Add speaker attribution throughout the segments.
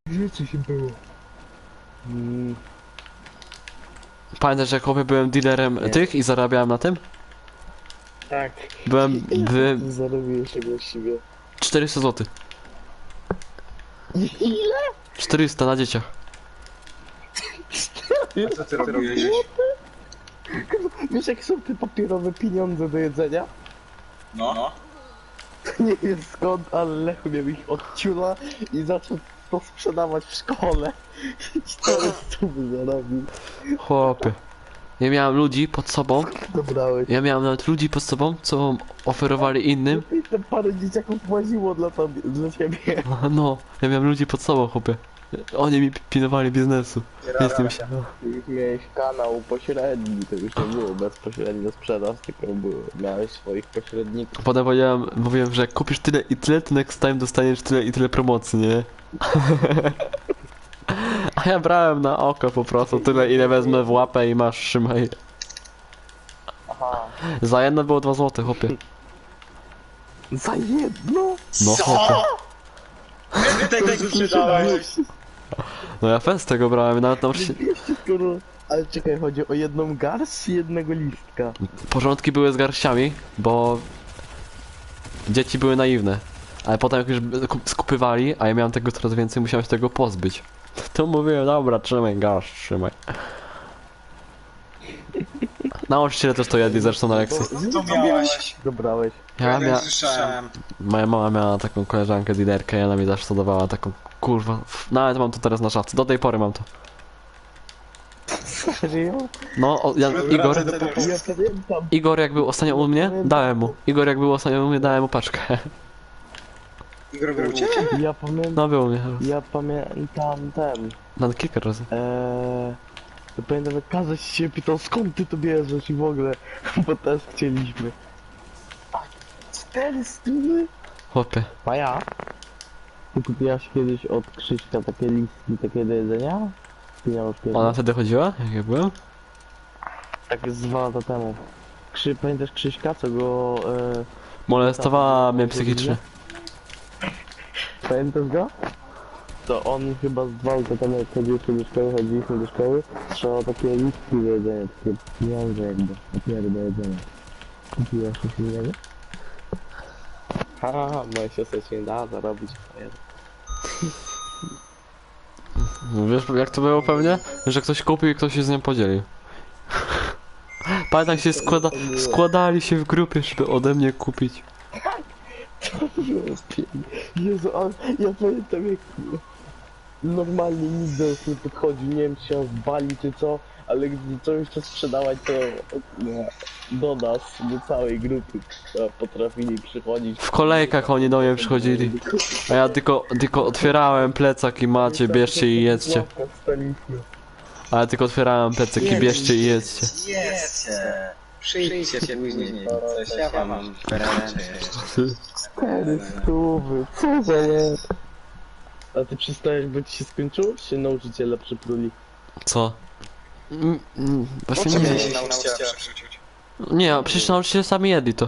Speaker 1: Gdzie coś było?
Speaker 2: Pamiętasz, jak chłopie byłem dealerem tych i zarabiałem na tym?
Speaker 1: Tak.
Speaker 2: Byłem...
Speaker 1: Zarobiłeś się właściwie.
Speaker 2: 400 zł.
Speaker 1: Ile?
Speaker 2: 400 na dzieciach.
Speaker 3: A co ty robiłeś?
Speaker 1: Wiesz jak są te papierowe pieniądze do jedzenia?
Speaker 3: No.
Speaker 1: Nie wiem skąd, ale Lechu miał ich od ciula i zaczął to sprzedawać w szkole. I 400 zarobił.
Speaker 2: Chłopie. Ja miałem ludzi pod sobą.
Speaker 1: Dobrałeś.
Speaker 2: Ja miałem nawet ludzi pod sobą, co oferowali innym.
Speaker 1: I te parę dzieciaków łaziło dla ciebie.
Speaker 2: No, ja miałem ludzi pod sobą, chłopie. Oni mi pilnowali biznesu. Jestem się.
Speaker 1: Już miałeś kanał pośredni, to już nie było bezpośrednio sprzedaż, tylko miałeś swoich pośredników.
Speaker 2: Potem mówiłem, że jak kupisz tyle i tyle, to next time dostaniesz tyle i tyle promocji, nie? A ja brałem na oko po prostu tyle, ile wezmę w łapę i masz, trzymaj.
Speaker 1: Aha.
Speaker 2: Za jedno było 2 złote, chłopie.
Speaker 1: Za jedno?
Speaker 2: No chłopie.
Speaker 3: Ty tego sprzedałeś.
Speaker 2: No ja fest tego brałem, nawet nauczyciel...
Speaker 1: 200 skoro... Ale czekaj, chodzi o jedną garść czy jednego listka?
Speaker 2: Porządki były z garściami, bo... Dzieci były naiwne. Ale potem jak już skupywali, a ja miałem tego coraz więcej, musiałem się tego pozbyć. To mówiłem, dobra, trzymaj garść, trzymaj. Nauczyciele też to jedli zresztą na lekcji.
Speaker 3: Co miałeś?
Speaker 1: Dobrałeś.
Speaker 2: Ja
Speaker 3: Słyszałem.
Speaker 2: Moja mama miała taką koleżankę dealerkę i ona mi zawsze dawała taką, kurwa, nawet mam to teraz na szafce, do tej pory mam to.
Speaker 1: Serio?
Speaker 2: No, Igor,
Speaker 1: Ja pamiętam.
Speaker 2: Igor jak był ostatnio u mnie, dałem mu. Igor jak był ostatnio u mnie, dałem mu paczkę.
Speaker 3: Igor był u ciebie?
Speaker 1: Ja pamiętam.
Speaker 2: No, był u mnie.
Speaker 1: Ja pamiętam ten.
Speaker 2: No, kilka razy.
Speaker 1: Ja pamiętam jak Kazaś się pytał skąd ty to bierzesz i w ogóle, bo też chcieliśmy. A 400?
Speaker 2: Chłopie.
Speaker 1: A ja? Ty kupiłaś kiedyś od Krzyśka takie listki, takie do jedzenia? Ty miałeś kiedyś?
Speaker 2: Ona wtedy chodziła, jak ja byłem?
Speaker 1: Tak z 2 lata temu. Pamiętasz Krzyśka, co go...
Speaker 2: Molestowała mnie psychicznie.
Speaker 1: Pamiętasz go? To on chyba z 2 lata temu jak chodziliśmy do szkoły, trzeba takie listki do jedzenia, takie pieniądze jakby, papiery do jedzenia. Kupiłaś coś innego? Haha, moja siostra się nie da zarobić.
Speaker 2: Wiesz jak to było pewnie? Że ktoś kupił i ktoś się z nią podzielił. Pamiętam się składali się w grupie, żeby ode mnie kupić.
Speaker 1: Jezu, ale ja pamiętam jak normalnie nikt do nas nie podchodził, nie wiem czy się wali czy co, ale gdy coś jeszcze sprzedawać to do nas, do całej grupy potrafili przychodzić.
Speaker 2: W kolejkach oni do mnie przychodzili. A ja tylko otwierałem plecak i macie, bierzcie i jedzcie. A ja tylko otwierałem plecak i bierzcie i jedzcie.
Speaker 3: Jedzcie. Przyjdźcie później. Coś ja wam wręczę jeszcze.
Speaker 1: 400, co za jest? A ty przystajesz, bo ci się skończyło, czy się nauczyciele przypruli?
Speaker 2: Co? Właśnie
Speaker 3: Co
Speaker 2: nie wiem.
Speaker 3: mieli nauczyciela przerzucić?
Speaker 2: Nie, przecież nauczyciele sami jedli to.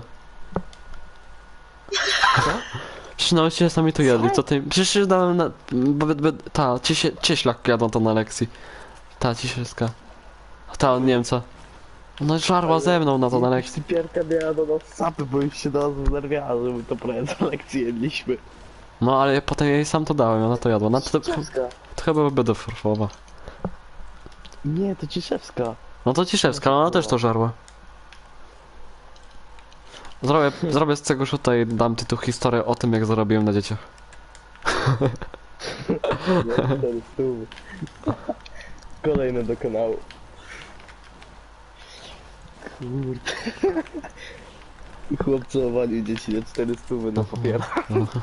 Speaker 2: Przecież nauczyciele sami to jedli, co ty... Przecież dałem na... Cieślak jadą to na lekcji. Ta ciesielska. Ta od Niemca. No żarła ze mną na to na lekcji.
Speaker 1: Pierka miała do nas sapy, bo już się do nas znerwiała, że my to prawie za lekcję jedliśmy.
Speaker 2: No ale potem jej sam to dałem, ona to jadła. No to chyba będę forfowa.
Speaker 1: Nie, to Ciszewska.
Speaker 2: No to Ciszewska, ale ona też to żarła. Zrobię z tego szuta i dam ty tu historię o tym, jak zarobiłem na dzieciach.
Speaker 1: Kolejne do kanału. Kurde. Chłopcy owalił dzieci na 400 na papierach.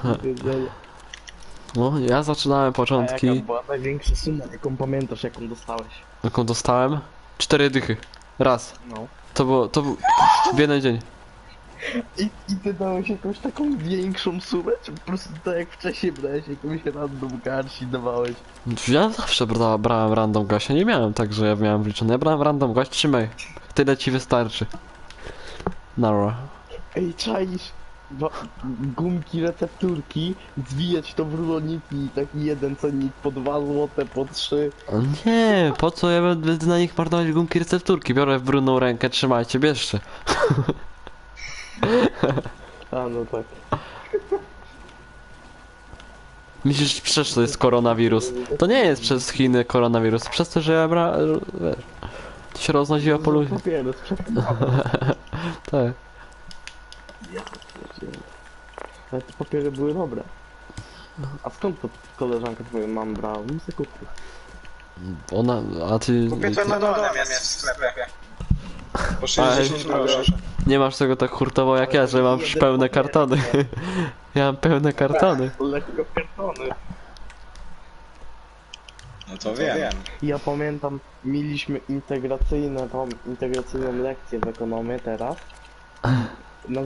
Speaker 2: No, ja zaczynałem
Speaker 1: A
Speaker 2: początki,
Speaker 1: jaka była największa suma, jaką pamiętasz, jaką dostałeś?
Speaker 2: jaką dostałem. 4 dychy. Raz.
Speaker 1: No.
Speaker 2: To był w jeden dzień.
Speaker 1: I ty dałeś jakąś taką większą sumę, czy po prostu tak jak wcześniej brałeś jakąś random garści dawałeś?
Speaker 2: Ja zawsze brałem random gościa, nie miałem tak, że ja miałem wliczone. Ja brałem random gość, trzymaj. Tyle ci wystarczy. Nara.
Speaker 1: Ej, czaisz? gumki, recepturki, zwijać to w ruloniki i taki jeden cennik po 2 złote, po 3.
Speaker 2: O nie, po co ja będę na nich marnować gumki recepturki? Biorę w brudną rękę, trzymajcie, bierzcie.
Speaker 1: A no tak.
Speaker 2: Myślisz, przecież to jest koronawirus. To nie jest przez Chiny koronawirus, przez to, że ja wiesz, to się roznosiło po ludziach.
Speaker 1: Papiery sprzedam.
Speaker 2: Tak.
Speaker 1: Ale te papiery były dobre. A skąd to koleżanka twoja mam brała? Mi se kupił.
Speaker 2: Ona, a ty...
Speaker 3: Kupię to na dole jest w sklepie. Po 60 groszy.
Speaker 2: Nie masz tego tak hurtowo jak ja, że mam pełne kartony. Ja mam pełne kartony.
Speaker 1: Lekko kartony.
Speaker 3: No to wiem.
Speaker 1: Ja pamiętam, mieliśmy integracyjną lekcję w ekonomii teraz.